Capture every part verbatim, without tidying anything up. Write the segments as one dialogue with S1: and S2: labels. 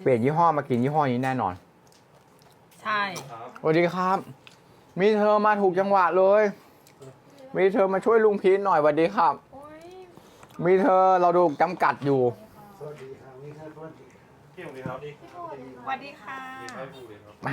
S1: เปลี่ยนยี่ห้อมากินยี่ห้อนี้แน่นอน
S2: ใช่
S1: สวัสดีครับ มีเธอมาถูกจังหวะเลย มีเธอมาช่วยลุงพีทหน่อยสวัสดีครับ
S2: โอ้ย
S1: มีเธอเราดูจำกัดอยู่
S3: สวัสดีครับนี่ครับสวัสดี
S4: พี่สวัสดีครับ
S2: สวัสดีค่ะ
S4: ไม่พูดเลยครับ
S1: มา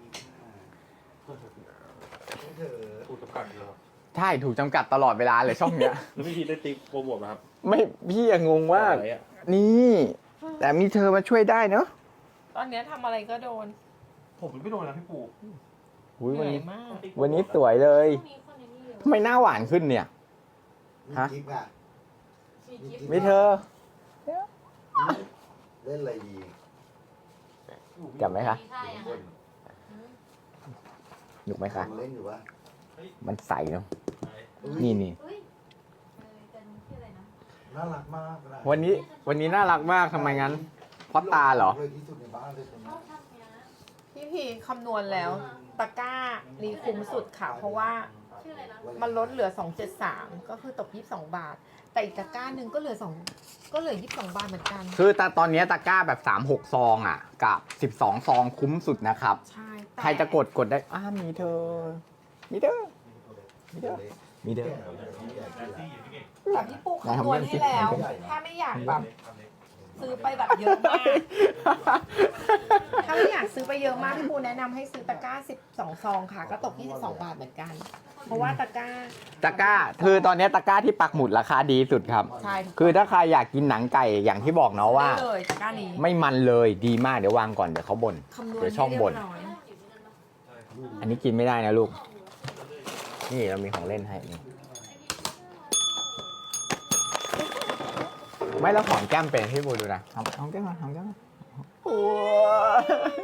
S3: นี่เธอ
S4: พูดกับกัดเลยครับ
S1: ใช่ถูกจำกัดตลอดเวลาเลยช่องเนี้ย
S4: แล้วพี่พีได้ติ๊กโปรโมทไหมครับ
S1: ไม่พี่ยังงงว่า
S4: อะไรอะ
S1: นี่ แต่มีเธอมาช่วยได้เนอะ
S2: ตอนเนี้ยทำอะไรก็โดน
S4: ผมไม่โดนนะพี่ปู่
S1: อุ๊ย
S2: เห
S1: วัน
S2: นื่อย
S1: นี้
S2: มาก
S1: วันนี้สวยเลยทำไมหน้าหวานขึ้นเนี่ย
S3: มี
S1: ฮะ
S3: คลิปอ่ะ
S1: มีเธอ
S3: เล่นอะไรดี
S1: จับไหมคะ
S3: เล่น
S1: หนุกไหมคะ
S3: เล่นอยู่วะ
S1: มันใสเนาะ
S3: อุ๊ย
S1: นี่นี่
S5: เฮ้ยเออแต่นี่ชื่ออะไรนะ
S3: น่ารักมากเลย
S1: วันนี้วันนี้น่ารักมากทำไมงั้น เพราะตาเหรอ
S3: เลยที่สุดในบ้านเลยคนนี้
S5: เขาทำเนี้ย
S2: พี่พีคำนวณแล้ว ตะกร้ารีคุ้มสุดค่ะ เพราะว่า
S5: ชื่ออะไรนะ
S2: มันลดเหลือ สองเจ็ดสาม ก็คือตกยี่สิบสองบาท แต่อีกตะกร้าหนึ่งก็เหลือสองก็เหลือยี่สิบสองบาทเหมือนกัน
S1: คือแต่ตอนนี้ตะกร้าแบบสาม หกซองอ่ะ กับสิบสองซองคุ้มสุดนะครับ
S2: ใช่แต่
S1: ใครจะกดกดได้อ้ามีเธอ มีเธอ มีเธอ มีเธอ
S2: แต่พี่ปูคำนวณให้แล้ว ถ้าไม่อยากแบบซื้อไปแบบเยอะมาก ถ้าไม่อยากซื้อไปเยอะมากพี่ปูแนะนำให้ซื้อตะกร้าสิบสองซองค่ะ ก็ตกยี่สิบสองบาทเหมือนกัน เพราะว่าตะกร้า
S1: ตะกร้า คือตอนนี้ตะกร้าที่ปักหมุดราคาดีสุดครับ
S2: ใช่
S1: คือถ้าใครอยากกินหนังไก่อย่างที่บอกเนาะว่า
S2: ได้เลยตะกร้านี้
S1: ไม่มันเลยดีมากเดี๋ยววางก่อนเดี๋ยวเขาบ่น
S2: คำนวณ
S1: เดี๋ยวช่อง
S2: ให้
S1: บ่น
S2: เรียบร้อย
S1: อันนี้กินไม่ได้นะลูก นี่เรามีของเล่นให้นี่ไม่แล้วหอมแก้มเป็นพี่บูดูนะหอมหอมแก้มมาหอมแก้มมาโอ้ย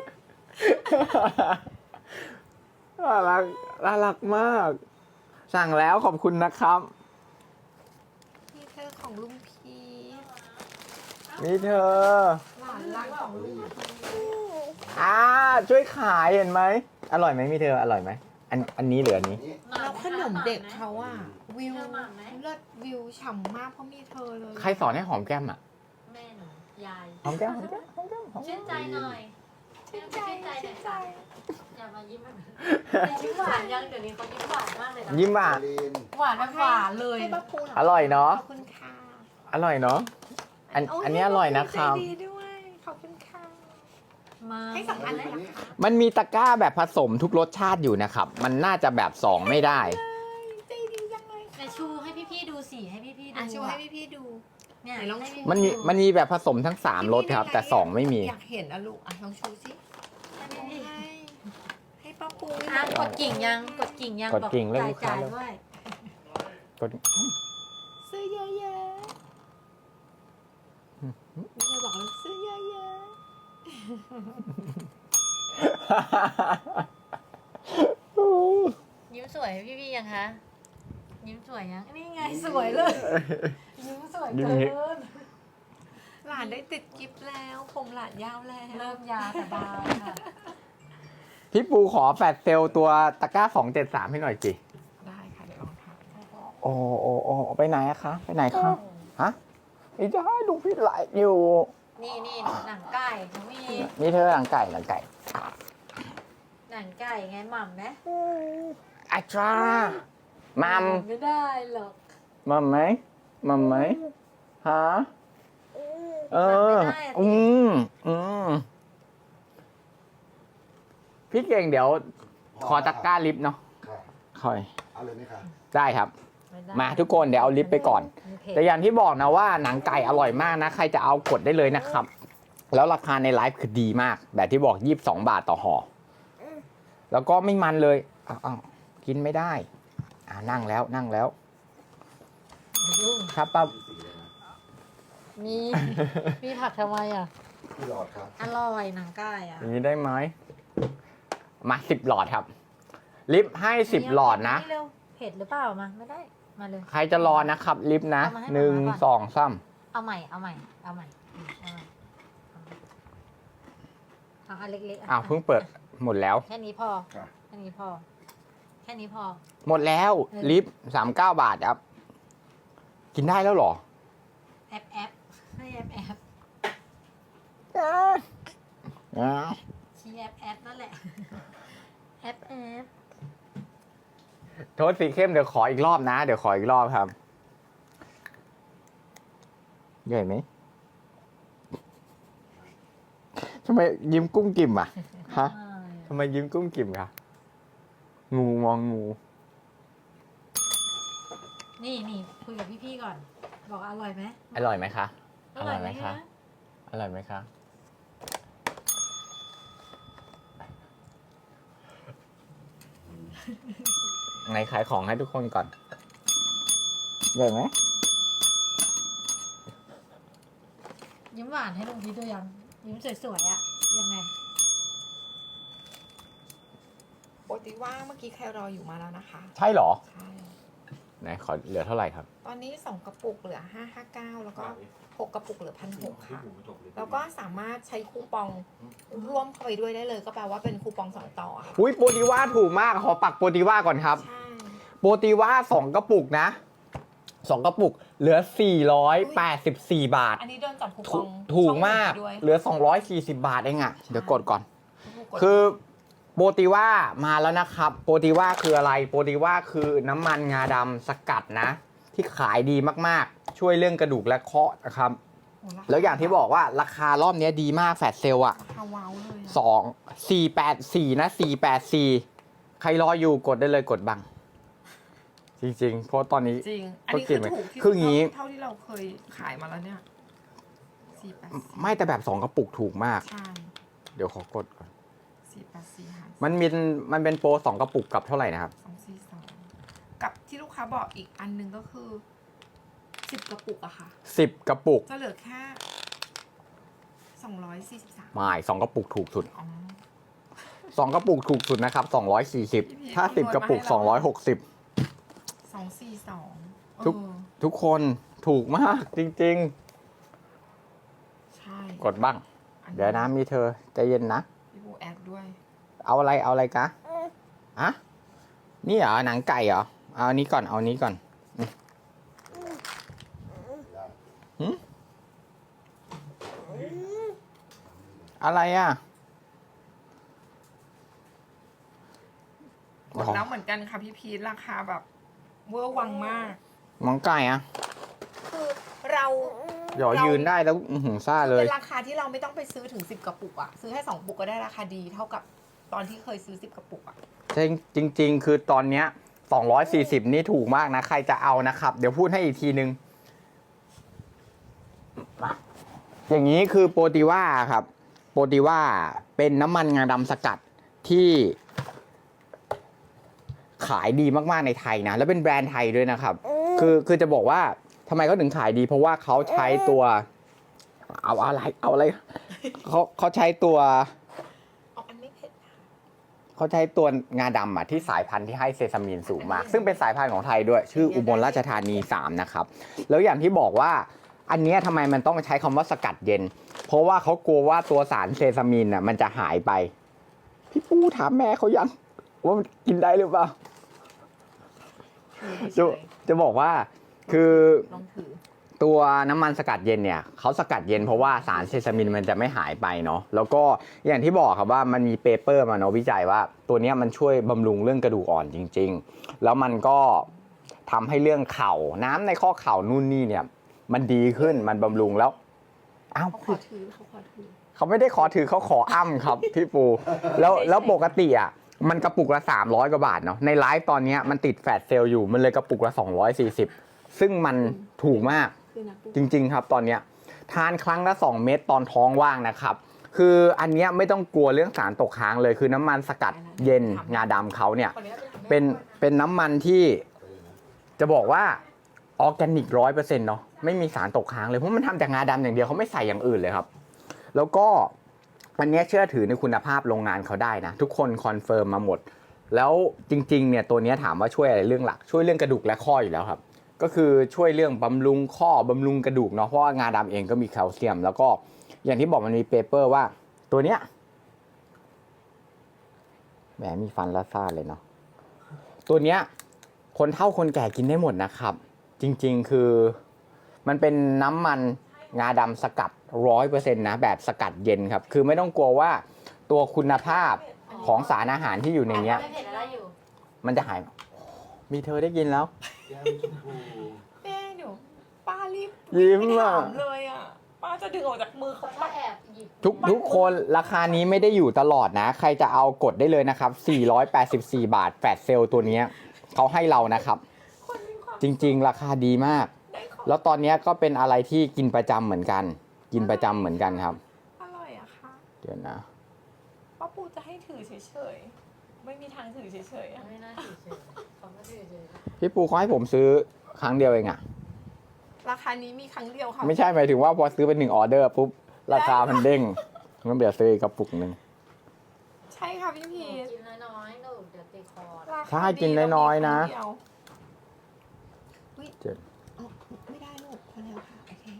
S1: น่ารักน่ารักมาก สั่งแล้วขอบคุณนะครับ
S2: นี่เธอของลุงพี
S1: นี่เธอ
S2: หลานรักของลุง
S1: อ่าช่วยขายเห็นไหมอร่อยไหมมีเธออร่อยไหมอันอันนี้เหลืออันนี้
S3: นี่
S2: แล้วขนมเด็กเขาอะวิวเลิศวิวฉ่ำมากเพราะมีเธอเลย
S1: ใครสอนให้หอมแก้มอ่ะ
S5: แม่หนูยาย
S1: หอมแก้มหอมแก้มหอมแก้มหอมแก้
S5: ชื่
S1: ม
S5: นใจหน่อยชื่นใจชื่นใจอย่ามายิ้มแบบยิ้มหวานยังเดี๋ยวนี้เขายิ้มหวานมากเลยนะ
S1: ยิ้มอ่ะ
S3: ลีน
S5: หวานแบบหวานเลย
S2: ให้ป้าปูหน่อย
S1: อร่อยเนอะ
S2: ขอบคุณค่ะ
S1: อร่อยเนาะอัน
S2: โย
S1: อันนี้อร่อยนะครับ
S2: ใจดีด้วยขอบคุณค่ะ
S5: มา
S2: ให้สองอันเลยนะคะ
S1: มันมีตะกร้าแบบผสมทุกรสชาติอยู่นะครับ มันน่าจะแบบสองไม่ได้
S2: ใจดีจังเลย
S5: แต่ชูให้พี่ๆดูสิให้พี่ๆดู
S2: อ่ะช่วยให้พี่ๆดู
S5: เนี่ย
S2: ไหนลองชู
S1: มันมีมันมีแบบผสมทั้งสามรสครับ แต่สองไม่มี
S2: อยากเห็นอะลูกอ่ะลองชูสิให้ให้ป้าปู
S5: อ่ะกดกิ่งยังกดกิ่งยัง
S1: กดกิ่งเรื่อง
S5: จ่าย
S1: ลูกค้า
S5: จ่าย
S1: เลย
S5: ด้วย
S1: กด
S2: ซื้อเยอะๆไม่เคยบอกเลยซื้อเยอะ
S5: ยิ้มสวยให้พี่ๆยังคะยิ้มสวยยังนี่ไงสวยเลยยิ้มสวย
S1: ยิ้ม
S5: เกิ
S1: อย่างงี้
S5: น
S2: ๆหลานได้ติดกิฟต์แล้ว ผมหลานยาวแล้ว
S5: เริ่มยาวแต่บางค่ะ
S1: พี่ปูขอแฟดเซลตัวตะกร้าสองเจ็ดสามให้หน่อยสิ
S2: ได้ค่ะเดี๋ยวลองทำ
S1: โอ้โอ้โอ้ไปไหนอะคะ ไปไหนคะฮะไม่ได้ดูพี่ไหลฟ์อยู่
S5: นี่นี่หนังไก่น้องมี
S1: นี่เธอหลังไก่หลังไก่
S5: หนังไก่ไงหม่ำไหม
S1: อาจามัม
S5: ไม่ได้หรอก
S1: มัมไหมมัมไหมฮะเอออืมอืมพี่เก่งเดี๋ยว ขอตะกร้าลิฟต์เนาะ
S3: ค่ะ
S1: ค่อย
S3: เอาเลยไหมคะ
S1: ได้ครับ
S5: ไได้
S1: มาทุกคนเดี๋ยวเอาลิฟต์ไปก่อน
S5: มันเผ็ด
S1: แต่อย่างที่บอกนะว่าหนังไก่อร่อยมากนะ ใครจะเอากดได้เลยนะครับ แล้วราคาในไลฟ์คือดีมาก แบบที่บอกยี่สิบสองบาทต่อห่อแล้วก็ไม่มันเลยอ้าวอ้าวกินไม่ได้ อ่านั่งแล้วนั่งแล้ว ครับป้า
S3: สีเลยนะ
S5: มีมีผักทำไมอ่ะ
S3: พี่หลอดครับ
S5: อร่อยหนังไก่อ่ะ
S1: อย่างนี้ได้ไหมมาสิบหลอดครับ ลิฟต์ให้สิบหลอดนะ
S5: เร็วเผ็ดหรือเปล่ามาไม่ได้มาเลย
S1: ใครจะรอนะครับ ลิฟต์นะ
S5: เอามาให้
S1: หนึ่ง
S5: มาม่าก่อน
S1: สองสาม
S5: เอาใหม่เอาใหม่เอาใหม่อืมเอาใหม่เอาอันเล็กๆะ
S1: อ้าวเพิ่งเปิดหมดแล้ว
S5: แค่นี้พอ
S3: ค่ะ
S5: แค่นี้พอ แค่นี้พอ
S1: หมดแล้ว
S5: เออ
S1: ลิฟต์สามเก้าบาทครับ กินได้แล้วเหรอ
S5: แอปแอปให้แอปแอป
S1: อ้าว
S5: ชี้แอปแอปนั่นแหละแอปแอป
S1: โทษสีเข้มเดี๋ยวขออีกรอบนะ เดี๋ยวขออีกรอบครับใหญ่ไหมทำไมยิ้มกุ้งกิ่มอ่ะฮะทำไมยิ้มกุ้งกิ่มคะงูมองงู
S5: นี่นี่คุยกับพี่ๆก่อน บอกอร่อยไหม
S1: อร่อยไหมคะ
S5: อร่อยไหมคะ
S1: อร่อยไหมคะไหนขายของให้ทุกคนก่อนใหญ่ไหม
S5: ยิ้มหวานให้ลุงพีชดูยังยิ้มสวยๆอะยังไง
S2: โปรติว่าเมื่อกี้ใครรออยู่มาแล้วนะคะ
S1: ใช่เหรอ
S2: ใช่
S1: ไหนขอเหลือเท่าไหร่ครับ
S2: ตอนนี้สองกระปุกเหลือห้าห้าเก้าแล้วก็หกกระปุกเหลือพันหก
S4: พี่
S2: ค่ะ
S4: ปูไม่จบเลย
S2: แล้วก็สามารถใช้คูปองร่วมเข้าไปด้วยได้เลย ก็แปลว่าเป็นคูปองสองต่อค่ะ
S1: อุ้ยโปรติว่าถูกมากขอปักโปรติว่าก่อนครับ
S2: ใช่
S1: โปรติว่าสองกระปุกนะสองกระปุกเหลือสี่ร้อยแปดสิบสี่บาท
S2: อันนี้โดนจับคูป
S1: ถู
S2: อง
S1: ถูกมาก
S2: ช่องอื่นไปด้วย
S1: เหลือสองร้อยสี่สิบบาทเองอะเดี๋ยวกดก่อน
S2: กด
S1: คือโปรติว่ามาแล้วนะครับ โปรติว่าคืออะไร โปรติว่าคือน้ำมันงาดำสกัดนะ ที่ขายดีมากๆ ช่วยเรื่องกระดูกและข้อนะครับ
S2: โอ้ราคา
S1: แล้วอย่างที่บอกว่าราคารอบนี้ดีมากแฟลชเซลอะ
S2: ราคาว้าวเลยอะ
S1: สองสี่แปดสี่นะสี่แปดสี่ใครรออยู่กดได้เลยกดบัง จริงๆ เพราะตอนนี้
S2: จริง อันนี้คือถูกที่
S1: คืออย่างงี้
S2: เท่าที่เราเคยขายมาแล้วเนี่ยสี่แปด
S1: ไม่แต่แบบสองกระปุกถูกมาก
S2: ใช่
S1: เดี๋ยวขอกดก่อน
S2: สี่แปดสี่หาร
S1: มันมีมันเป็นโปรสองกระปุกกับเท่าไหร่นะครับ
S2: สองสี่สองกับที่ลูกค้าบอกอีกอันหนึงก็คือสิบกระปุกอะค่ะ
S1: สิบกระปุก
S2: จะเหลือแค่สองร้อยสี่สิบสาม
S1: ไม่สองกระปุกถูกสุด
S2: อ๋อ
S1: สองกระปุกถูกสุดนะครับสองร้อยสี่สิบ
S2: พี่พีช
S1: ถ้าสิบ
S2: คำนวณ
S1: กระปุก
S2: มาให้
S1: สองร้อย
S2: เรา
S1: หกสิบ
S2: สองสี่สอง
S1: ทุก
S2: เออ
S1: ทุกคนถูกมากจริง
S2: ใช่
S1: ๆ กดบ้าง
S2: อั
S1: เดี๋ยวนะมีเธอใจเย็นนะ
S2: พี่บูแอดด้วย
S1: เอาอะไรเอาอะไรกะอะนี่เหรอหนังไก่เหรอ เอาอันนี้ก่อนเอาอันนี้ก่อนอืมหืมอะไรอ่ะ
S2: กดแล้วเหมือนกันค่ะพี่พีทราคาแบบเวอร์วังมาก
S1: หนังไก่อ่ะ
S2: คือเรา
S1: เดี๋ยวยืนได้แล้วอื้อหือซ่าเลย
S2: เป็นราคาที่เราไม่ต้องไปซื้อถึงสิบกระปุกอะซื้อแค่สองปุกก็ได้ราคาดีเท่ากับตอนที่เคยซื้อสิบกระปุกอะ
S1: จริงจริง ๆ คือตอนเนี้ยสองร้อยสี่สิบนี่ถูกมากนะ ใครจะเอานะครับ เดี๋ยวพูดให้อีกทีนึง อย่างนี้คือโปรติว่าครับ โปรติว่าเป็นน้ำมันงาดำสกัดที่ขายดีมากๆในไทยนะ แล้วเป็นแบรนด์ไทยด้วยนะครับ คือคือจะบอกว่าทำไมเขาถึงขายดี เพราะว่าเขาใช้ตัว เอาอะไร เอาอะไรเขาเขาใช้ตัว
S2: เอาอันไม่เผ็ดนะ
S1: เขาใช้ตัวงาดำอ่ะที่สายพันธุ์ที่ให้เซซามีนสูงมาก ซึ่งเป็นสายพันธุ์ของไทยด้วย ชื่ออุบลราชธานีสามนะครับ แล้วอย่างที่บอกว่าอันเนี้ยทำไมมันต้องใช้คำว่าสกัดเย็น เพราะว่าเขากลัวว่าตัวสารเซซามีนอ่ะมันจะหายไป พี่ปูถามแม่เขายังว่ามันกินได้หรือเปล่า จะจะบอกว่าคือ
S2: ลองถือ
S1: ตัวน้ำมันสกัดเย็นเนี่ยเขาสกัดเย็นเพราะว่าสารเซซามินมันจะไม่หายไปเนาะแล้วก็อย่างที่บอกครับว่ามันมีเปเปอร์มาเนาะวิจัยว่า ตัวเนี้ยมันช่วยบำรุงเรื่องกระดูกอ่อนจริงๆ แล้วมันก็ทำให้เรื่องเข่าน้ำในข้อเข่านู่นนี่เนี่ยมันดีขึ้นมันบำรุงแล้วอ้าว
S2: เขาขอถือเขาขอถือ
S1: เขาไม่ได้ขอถือเขาขออ้ำครับ พี่ปูแล้วแล้วปกติอ่ะมันกระปุกละสามร้อยกว่าบาทเนาะในไลฟ์ตอนเนี้ยมันติดแฟลชเซลล์อยู่มันเลยกระปุกละสองร้อยสี่สิบซึ่งมันถูกมาก
S2: คือนะปุ๊บ
S1: จริงๆครับตอนเนี้ยทานครั้งละสองเม็ดตงท้องว่างนะครับ คืออันเนี้ยไม่ต้องกลัวเรื่องสารตกค้างเลยคือน้ำมันสกัดเย็นงาดำเขาเนี่ย
S2: ขออนุญาตไปทำแม่
S1: เป็น
S2: ครัวะ
S1: เป็นน้ำมันที่จะบอกว่าออร์แกนิกร้อยเปอร์เซ็นต์เนาะไม่มีสารตกค้างเลยเพราะมันทำจากงาดำอย่างเดียวเขาไม่ใส่อย่างอื่นเลยครับ แล้วก็อันเนี้ยเชื่อถือในคุณภาพโรงงานเขาได้นะทุกคนคอนเฟิร์มมาหมด แล้วจริงๆเนี่ยตัวเนี้ยถามว่าช่วยอะไรเรื่องหลักช่วยเรื่องกระดูกและข้ออยู่แล้วครับ ก็คือช่วยเรื่องบำรุงข้อบำรุงกระดูกเนาะเพราะว่างาดำเองก็มีแคลเซียม แล้วก็อย่างที่บอกมันมีเปเปอร์ว่าตัวเนี้ยแหมมีฟันละซ่าเลยเนาะตัวเนี้ยคนเฒ่าคนแก่กินได้หมดนะครับ จริงๆคือมันเป็นน้ำมันงาดำสกัดร้อยเปอร์เซ็นต์นะแบบสกัดเย็นครับ คือไม่ต้องกลัวว่าตัวคุณภาพของสารอาหารที่อยู่ในเนี้ย
S5: ไม่เผ็ดอะไรอยู่
S1: มันจะหาย มีเธอได้กินแล้ว
S3: แก้มชมพู
S2: แม่เดี๋ยวป้ารีบ
S1: ยิ้ม
S2: ไม่
S1: อ่ะ
S2: ถามเลยอ่ะป้าจะดึงออกจากมือเขา
S5: เขาก็แอบหยิบ
S1: ทุกทุกคนราคานี้ไม่ได้อยู่ตลอดนะ ใครจะเอากดได้เลยนะครับ สี่ร้อยแปดสิบสี่บาทแฟลชเซลล์ตัวเนี้ยเขาให้เรานะครับ
S2: คนมีความ
S1: จริง ๆ ราคาดีมาก
S2: ได้ของ
S1: แล้วตอนเนี้ยก็เป็นอะไรที่กินประจำเหมือนกัน กินประจำเหมือนกันครับ
S2: อร่อยอะค่ะ
S1: เดี๋ยวนะ
S2: ป้าปูจะให้ถือเฉยๆไม่มีทางถือเฉยๆอะ
S5: ไม่น่าถือเฉยเขาไม่ถือเฉย
S1: พี่ปูเขาให้ผมซื้อครั้งเดียวเองอะ
S2: ราคานี้มีครั้งเดียวค่ะ
S1: ไม่ใช่หมายถึงว่าพอซื้อเป็นหนึ่งออเดอร์ปุ๊บราคามันเด้งงั้นเดี๋ยวซื้ออีกกระปุกหนึ่ง
S2: ใช่ค่ะพี่พีช
S5: กินน้อยๆหนูเดี๋ยวติดคอ
S2: ราคา
S1: ใช่กินน้อยๆนะ
S2: ดีแล้วมีครั้งเดียวอุ๊ย
S1: เจ็ด
S2: เอาไม่ได้ลูกพอแล้วค่ะโอเค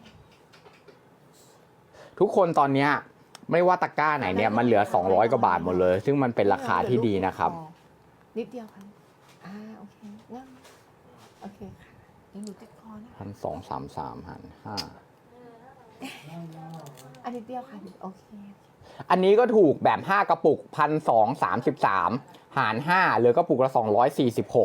S1: ทุกคนตอนเนี้ยไม่ว่าตะกร้าไหนเนี่ยมันเหลือสองร้อยกว่าบาทหมดเลย ซึ่งมันเป็นราคาที่ดีนะครับ
S2: นิดเดียวค่ะอ่าโอเคนั่งโอเคค่ะเดี๋ยวหนูติดคอนะ
S1: พันสองสามสามหันห้า
S2: อันนิดเดียวค่ะโอเค
S1: อันนี้ก็ถูกแบบห้ากระปุกพันสองสามสิบสามหารห้าเหลือกระปุกละสองร้อยสี่สิบหก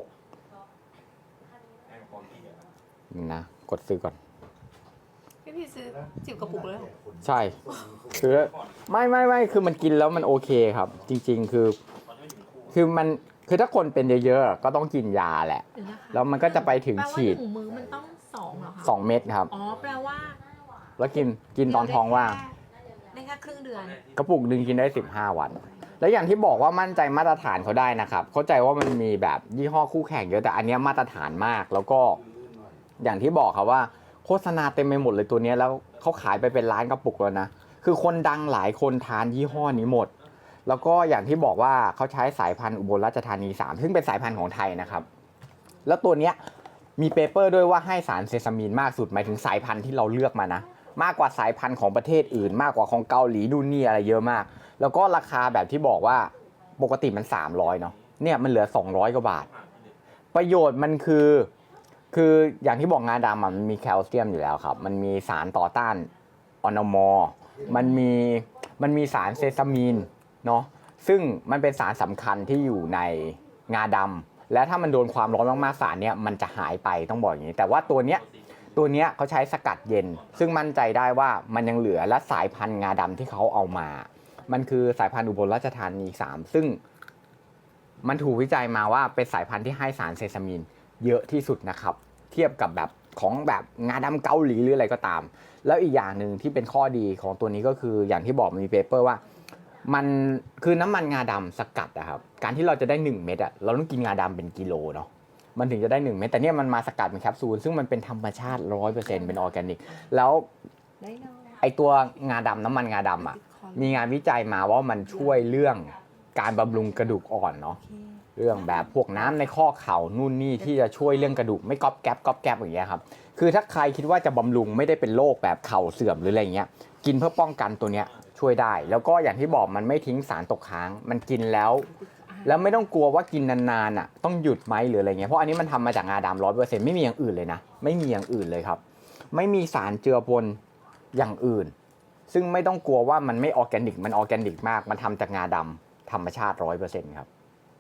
S1: นะกดซื้อก่อน
S2: พี่พีชซื้อจิ๋วกระปุกเลยเหรอ
S1: ใช่คือไม่ไม่ไม่คือมันกินแล้วมันโอเคครับ จริง ๆ คือ คือมันคือถ้าคนเป็นเยอะๆก็ต้องกินยาแหละ
S2: เดี๋ยวนะคะ
S1: แล้วมันก็จะไปถึง
S2: แปลว่า
S1: ฉีด
S2: หนึ่งมื้อมันต้องสองเหรอคะ
S1: สองเม็ดครับ
S2: อ๋อแปลว่า
S1: แล้วกินกินตอนท้องว่าง
S2: ได้แค่ครึ่งเดือน
S1: กระปุกหนึ่งกินได้สิบห้าวัน แล้วอย่างที่บอกว่ามั่นใจมาตรฐานเขาได้นะครับ เข้าใจว่ามันมีแบบยี่ห้อคู่แข่งเยอะแต่อันเนี้ยมาตรฐานมาก แล้วก็อย่างที่บอกครับว่าโฆษณาเต็มไปหมดเลยตัวเนี้ยแล้วเขาขายไปเป็นล้านกระปุกแล้วนะคือคนดังหลายคนทานยี่ห้อนี้หมด แล้วก็อย่างที่บอกว่าเขาใช้สายพันธุ์อุบลราชธานีสามซึ่งเป็นสายพันธุ์ของไทยนะครับ แล้วตัวเนี้ยมีเปเปอร์ด้วยว่าให้สารเซซามีนมากสุดหมายถึงสายพันธุ์ที่เราเลือกมานะมากกว่าสายพันธุ์ของประเทศอื่น มากกว่าของเกาหลีดูนี่อะไรเยอะมาก แล้วก็ราคาแบบที่บอกว่าปกติมันสามร้อยเนาะเนี่ยมันเหลือสองร้อยกว่าบาท ประโยชน์มันคือ คืออย่างที่บอกงาดำอะมันมีแคลเซียมอยู่แล้วครับมันมีสารต่อต้านออนมอมันมีมันมีสารเซซามีนเนาะซึ่งมันเป็นสารสำคัญที่อยู่ในงาดำและถ้ามันโดนความร้อนมากๆสารเนี้ยมันจะหายไปต้องบอกอย่างนี้แต่ว่าตัวเนี้ยตัวเนี้ยเขาใช้สกัดเย็น ซึ่งมั่นใจได้ว่ามันยังเหลือและสายพันธุ์งาดำที่เขาเอามา มันคือสายพันธุ์อุบลราชธานีสามซึ่งมันถูกวิจัยมาว่าเป็นสายพันธุ์ที่ให้สารเซซามีนเยอะที่สุดนะครับเทียบกับแบบของแบบงาดำเกาหลีหรืออะไรก็ตาม แล้วอีกอย่างหนึ่งที่เป็นข้อดีของตัวนี้ก็คืออย่างที่บอกมันมีเปเปอร์ว่ามันคือน้ำมันงาดำสกัดอะครับการที่เราจะได้หนึ่งเม็ดอะเราต้องกินงาดำเป็นกิโลเนาะมันถึงจะได้หนึ่งเม็ดแต่เนี่ยมันมาสกัดเป็นแคปซูลซึ่งมันเป็นธรรมชาติ ร้อยเปอร์เซ็นต์ เป็นออร์แกนิกแล้ว
S2: ได้เนาะ
S1: ไอตัวงาดำน้ำมันงาดำอะมีงานวิจัยมาว่ามันช่วยเรื่องการบำรุงกระดูกอ่อนเนาะ
S2: โอเค
S1: เรื่องแบบพวกน้ำในข้อเข่านู่นนี่ที่จะช่วยเรื่องกระดูกไม่ก๊อบแก๊บก๊อบแก๊บอย่างเงี้ยครับคือถ้าใครคิดว่าจะบำรุงไม่ได้เป็นโรคแบบเข่าเสื่อมหรืออะไรเงี้ยกินเพื่อป้องกันตัวเนี้ยช่วยได้ แล้วก็อย่างที่บอกมันไม่ทิ้งสารตกค้างมันกินแล้ว แล้วไม่ต้องกลัวว่ากินนานๆอ่ะต้องหยุดไหมหรืออะไรเงี้ยเพราะอันนี้มันทำมาจากงาดำร้อยเปอร์เซ็นต์ไม่มีอย่างอื่นเลยนะไม่มีอย่างอื่นเลยครับไม่มีสารเจือปนอย่างอื่น ซึ่งไม่ต้องกลัวว่ามันไม่ออร์แกนิกมันออร์แกนิกมากมันทำจากงาดำธรรมชาติร้อยเปอร์เซ็นต์ครับ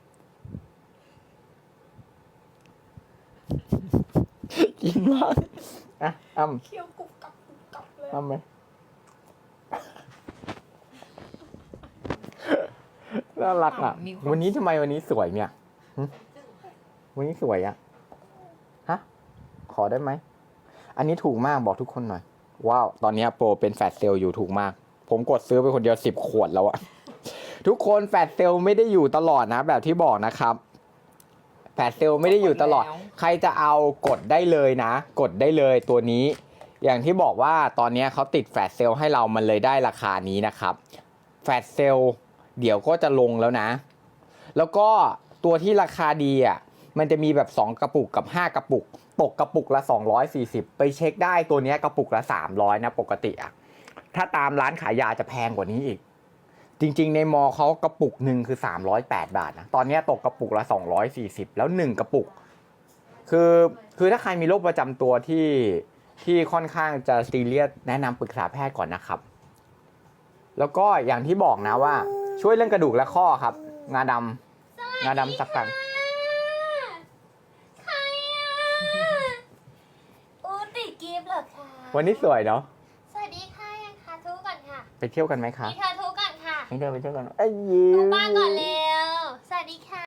S1: กินมากอ่ะอ้ำ
S2: เคี้ยวกรุบกรับกรุบกรับเลย
S1: อ้ำไหมน่ารักอ่ะวันนี้ทำไมวันนี้สวยเนี่ยหึวันนี้สวยอ่ะฮะขอได้ไหมอันนี้ถูกมากบอกทุกคนหน่อยว้าวตอนนี้โปรเป็นแฟลชเซลล์อยู่ถูกมากผมกดซื้อไปคนเดียวสิบขวดแล้วอะทุกคนแฟลชเซลล์ไม่ได้อยู่ตลอดนะแบบที่บอกนะครับแฟลชเซลล์ไม่ได้อยู่ตลอดใครจะเอากดได้เลยนะกดได้เลยตัวนี้อย่างที่บอกว่าตอนนี้เขาติดแฟลชเซลล์ให้เรามันเลยได้ราคานี้นะครับแฟลชเซลล์เดี๋ยวก็จะลงแล้วนะ แล้วก็ตัวที่ราคาดีอ่ะมันจะมีแบบสองกระปุกกับห้ากระปุกตกกระปุกละสองร้อยสี่สิบไปเช็คได้ตัวนี้กระปุกละสามร้อยนะปกติอ่ะถ้าตามร้านขายยาจะแพงกว่านี้อีกจริงๆในมอเขากระปุกหนึ่งคือสามร้อยแปดบาทนะตอนนี้ตกกระปุกละสองร้อยสี่สิบแล้วหนึ่งกระปุกคือคือถ้าใครมีโรคประจำตัวที่ที่ค่อนข้างจะซีเรียสแนะนำปรึกษาแพทย์ก่อนนะครับ แล้วก็อย่างที่บอกนะว่าช่วยเรื่องกระดูกและข้อครับ งาดำงาดำสักกัน
S5: ใครอ่ะอูติดกิฟต์เหรอคะ
S1: วันนี้สวยเนาะ
S5: สวัสดีค่ะยังคะทุกก่อนค่ะ
S1: ไปเที่ยวกันไหมคะ
S5: มีเธอทุกก่อนค่ะ
S1: ไปเที่ยวไปเที่ยวกันไอ้ยยิ้
S5: ทุก
S1: ม
S5: บ้านก่อนเร็ว